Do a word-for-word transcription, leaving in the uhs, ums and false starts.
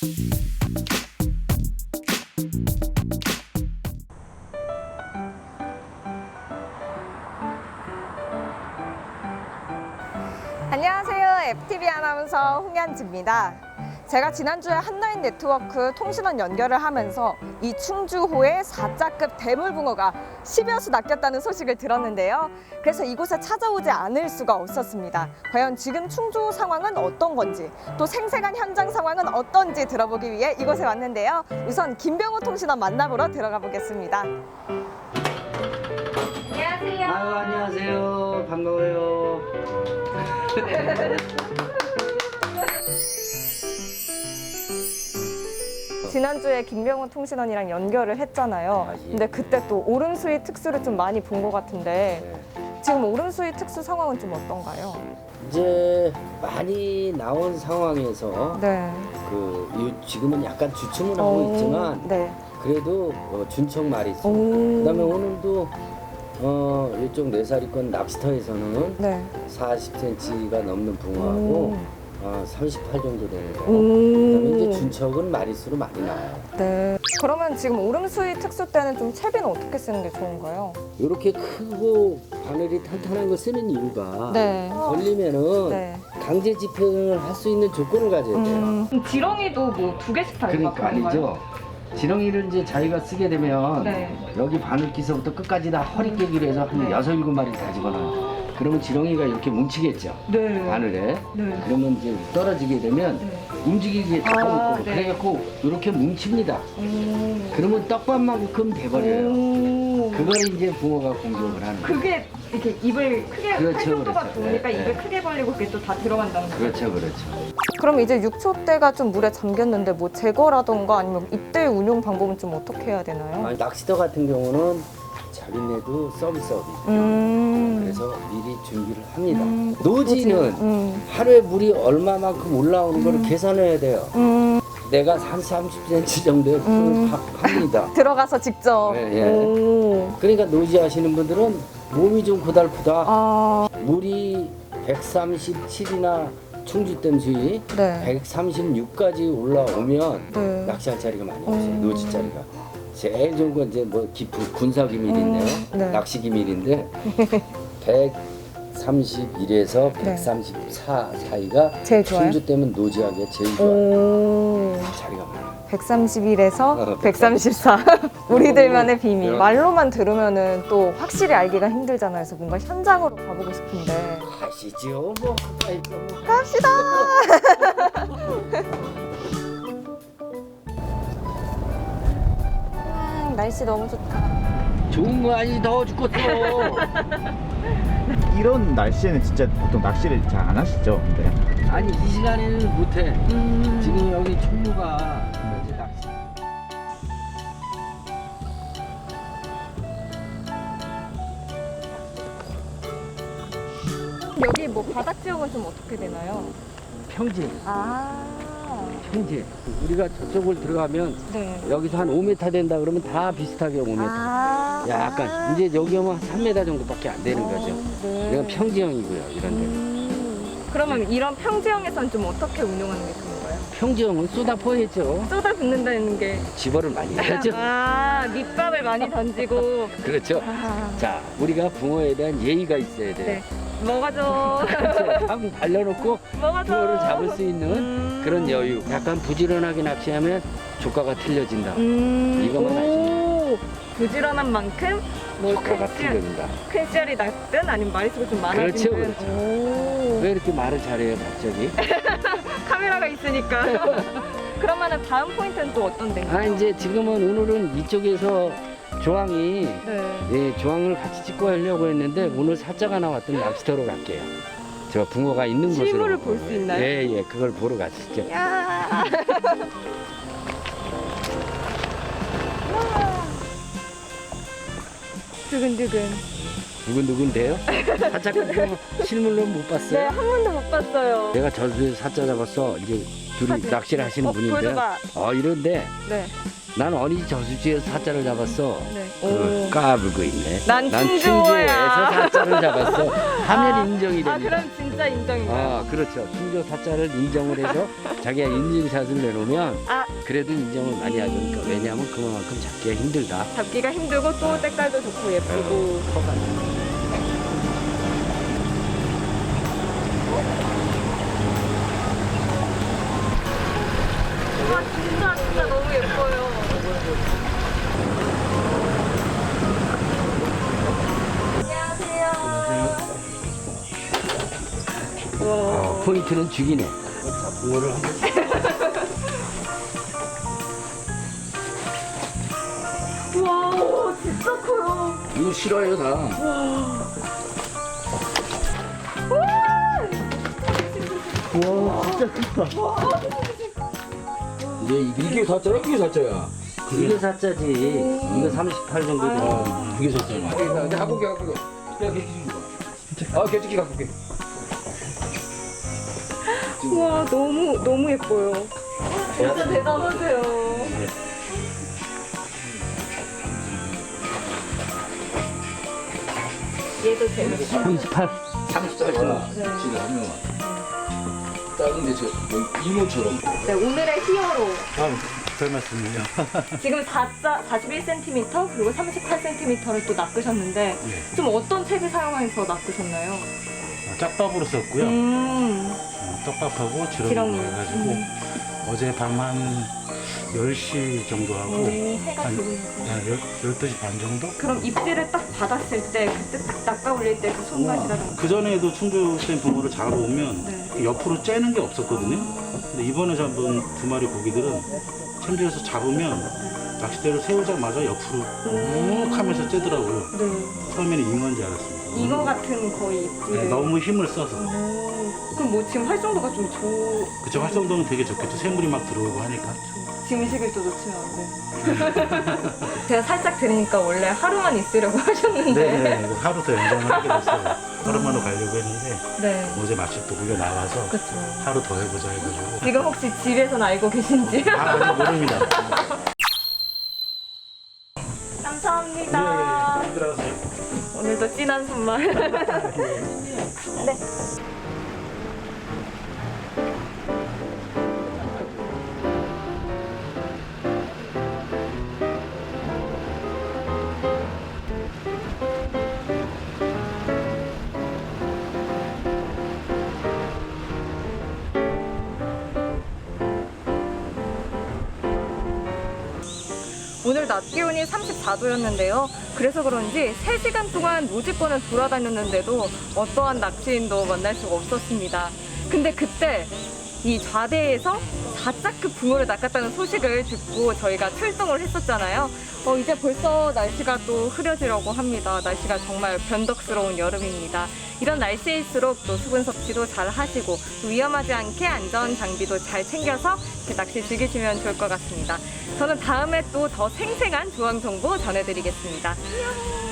안녕하세요. 에프티비 아나운서 홍현지입니다. 제가 지난주에 한라인 네트워크 통신원 연결을 하면서 이 충주호에 사자급 대물붕어가 십여 수 낚였다는 소식을 들었는데요. 그래서 이곳에 찾아오지 않을 수가 없었습니다. 과연 지금 충주호 상황은 어떤 건지, 또 생생한 현장 상황은 어떤지 들어보기 위해 이곳에 왔는데요. 우선 김병호 통신원 만나보러 들어가 보겠습니다. 안녕하세요. 아유, 안녕하세요. 반가워요. 지난주에 김병호 통신원이랑 연결을 했잖아요. 아, 예. 근데 그때 또 오름수위 특수를 좀 많이 본 것 같은데 네. 지금 오름수위 특수 상황은 좀 어떤가요? 이제 많이 나온 상황에서 네. 그 요- 지금은 약간 주춤을 하고 오, 있지만 네. 그래도 어, 준척 말이 있습니다. 오. 그다음에 오늘도 어, 이쪽 네사리권 낚시터에서는 네. 사십 센티미터가 넘는 붕어하고 어, 삼십팔 정도 되는 거. 오. 그다음에 이제 준척은 마리수로 많이 나와요. 네. 그러면 지금 오름수위 특수 때는 좀 채비는 어떻게 쓰는 게 좋은가요? 이렇게 크고 바늘이 탄탄한 거 쓰는 이유가 네. 걸리면은 네. 강제 집행을 할 수 있는 조건을 가져야 돼요. 음, 지렁이도 뭐 두 개씩 달고 그러니까 아니죠. 지렁이를 이제 자기가 쓰게 되면 네. 여기 바늘기서부터 끝까지 다 허리 깨기로 해서 한 네. 여섯 일곱 마리 다 집어넣어요. 그러면 지렁이가 이렇게 뭉치겠죠. 네. 바늘에. 네. 그러면 이제 떨어지게 되면 네. 움직이게 아, 잡아먹고 네. 그래갖고 이렇게 뭉칩니다. 오. 그러면 떡밥만큼 돼버려요. 오. 그걸 이제 붕어가 공격을 하는 거예요. 그게 이렇게 입을 크게 할 그렇죠, 정도가 그렇죠. 좋으니까 네, 입을 네. 크게 벌리고 그게 또 다 들어간다는 거죠. 그렇죠, 그렇죠. 그럼 이제 육 초 대가 좀 물에 잠겼는데 뭐 제거라던가 아니면 입대 운용 방법은 좀 어떻게 해야 되나요? 아니, 낚시터 같은 경우는 자기네도 서비스업이 있고 음. 그래서 미리 준비를 합니다. 음. 노지는 음. 하루에 물이 얼마만큼 올라오는 거를 계산해야 돼요. 음. 내가 한 삼십 센티미터 정도의 풀을 음. 파- 팝니다. 들어가서 직접. 예, 예. 오. 그러니까 노지 하시는 분들은 몸이 좀 고달프다. 아. 물이 백삼십칠이나 충주댐 수위 네. 백삼십육까지 올라오면 네. 낚시할 자리가 많이 없어요. 음. 노지 자리가. 제일 좋은 건 이제 뭐 깊은 군사 기밀인데요. 음, 네. 낚시 기밀인데 백삼십일에서 네. 백삼십사 사이가 제일 좋아요? 충주댐은 노지하기에 제일 좋아요. 오. 자리가 많아요. 백삼십일에서 어, 백삼십사. 우리들만의 비밀. 네. 말로만 들으면은 또 확실히 알기가 힘들잖아요. 그래서 뭔가 현장으로 가보고 싶은데. 가시죠. 뭐 가까이 좀. 갑시다. 음, 날씨 너무 좋다. 좋은 거 아니 더워 죽겠어. 이런 날씨에는 진짜 보통 낚시를 잘 안 하시죠? 근데 아니 이 시간에는 못해. 음. 지금 여기 총무가 이제 낚시. 여기 뭐 바닥 지형은 좀 어떻게 되나요? 평지, 아. 평지. 우리가 저쪽을 들어가면 네. 여기서 한 오 미터 된다 그러면 다 비슷하게 오 미터. 아. 약간 이제 여기 오면 한 삼 미터 정도밖에 안 되는 거죠. 네. 이건 평지형이고요. 이런 데. 음. 그러면 이런 평지형에서는 좀 어떻게 운영하는 게 좋은 거예요? 평지형은 쏟아 퍼야죠. 쏟아 붓는다는 게. 집어를 많이 해야죠. 아, 밑밥을 많이 던지고. 그렇죠. 아. 자, 우리가 붕어에 대한 예의가 있어야 돼요. 네. 먹어줘. 방 발라놓고 먹어줘. 붕어를 잡을 수 있는 음. 그런 여유. 약간 부지런하게 낚시하면 조과가 틀려진다. 음. 이거만 오. 부지런한 만큼 뭐 조과가 큰 씨- 틀려진다. 큰 씨알이 났든 아니면 마리수가 좀 그렇죠, 많아지든. 그렇죠. 오. 왜 이렇게 말을 잘해요, 갑자기? 카메라가 있으니까. 그러면은 다음 포인트는 또 어떤 데인가요? 아, 이제 지금은 오늘은 이쪽에서 조항이 네. 예, 조항을 같이 찍고 하려고 했는데 오늘 사자가 나왔던 낚시터로 갈게요. 저 붕어가 있는 곳으로. 실물을 볼 수 있나요? 예, 예, 그걸 보러 가시죠. 야. 두근두근. 누군누군데요? 사자 같은 거 실물로 못 네, 봤어요? 한 번도 못 봤어요. 내가 저수에서 사자 잡았어. 이제 둘이 사진. 낚시를 하시는 어, 분인데 보여줘봐. 어 이런데 네. 난 어린이 저수지에서 사자를 잡았어. 네. 그 까불고 있네. 난 충주에서 충주호야. 사자를 잡았어. 하면 아, 인정이 아, 됩니다. 그럼 진짜 인정인가요? 아, 그렇죠. 충주 사자를 인정을 해서 자기가 인증샷을 내놓으면 아, 그래도 인정을 많이 하죠. 그러니까 왜냐하면 그만큼 잡기가 힘들다. 잡기가 힘들고 또 색깔도 좋고 예쁘고. 커가. 와, 진짜 진짜 너무 예뻐요. 안녕하세요. 와. 어, 포인트는 죽이네. 와, 오, 진짜 커요. 이거 싫어요 다. 와 진짜 크다. 이게 이게 사자야? 이게 사자야? 이게 사자지. 이거 삼십팔 정도 되는. 그게 좋잖아. 이제 갖고 게 갖고 게. 야 개치기 봐. 아 개치기 갖고 게. 와, 너무 너무 예뻐요. 진짜 대단하세요. 얘도 재밌어. 삼십팔. 삼십 살 잖아. 지금 한 명만. 작은데 저 이모처럼. 네, 오늘의 히어로. 아, 별 말씀을요. 지금 사자 사십일 센티미터 그리고 삼십팔 센티미터를 또 낚으셨는데 좀 어떤 책을 사용해서 낚으셨나요? 짝밥으로 썼고요. 음, 어, 떡밥하고 지렁이. 지렁이 해가지고 어제 밤 한 열 시 정도 하고 오, 해가 한 지고 있어요. 네, 열두 시 반 정도? 그럼 입질을 딱 받았을 때 그때 딱 낚아 올릴 때 그 손맛이라든가. 그 전에도 충주된 붕어를 잡아오면 네. 옆으로 째는 게 없었거든요. 근데 이번에 잡은 두 마리 고기들은 챔질에서 잡으면 낚싯대를 세우자마자 옆으로 욱 하면서 째더라고요. 네. 처음에는 잉어인 줄 알았습니다. 잉어 같은 거의 입질을. 네, 너무 힘을 써서. 오, 그럼 뭐 지금 활성도가 좀 좋. 그쵸, 활성도는 되게 좋겠죠. 새물이 막 들어오고 하니까. 지금 이 시기를 또 놓치면 안 돼. 제가 살짝 들으니까 원래 하루만 있으려고 하셨는데. 네네. 하루 더 연장을 하게 됐어요. 하루만으로 가려고 했는데 네. 어제 마침 또 우리가 나와서 그렇죠. 하루 더 해보자 해가지고. 지금 혹시 집에서는 알고 계신지? 아, 아직 모릅니다. 감사합니다. 예, 예. 들어가세요. 오늘도 진한 선물. 네. 오늘 낮 기온이 삼십사 도였는데요. 그래서 그런지 세 시간 동안 노지권을 돌아다녔는데도 어떠한 낚시인도 만날 수가 없었습니다. 근데 그때 이 좌대에서 사자급 붕어를 낚았다는 소식을 듣고 저희가 출동을 했었잖아요. 어, 이제 벌써 날씨가 또 흐려지려고 합니다. 날씨가 정말 변덕스러운 여름입니다. 이런 날씨일수록 또 수분 섭취도 잘 하시고 또 위험하지 않게 안전 장비도 잘 챙겨서 이렇게 낚시 즐기시면 좋을 것 같습니다. 저는 다음에 또 더 생생한 조항 정보 전해드리겠습니다. 안녕.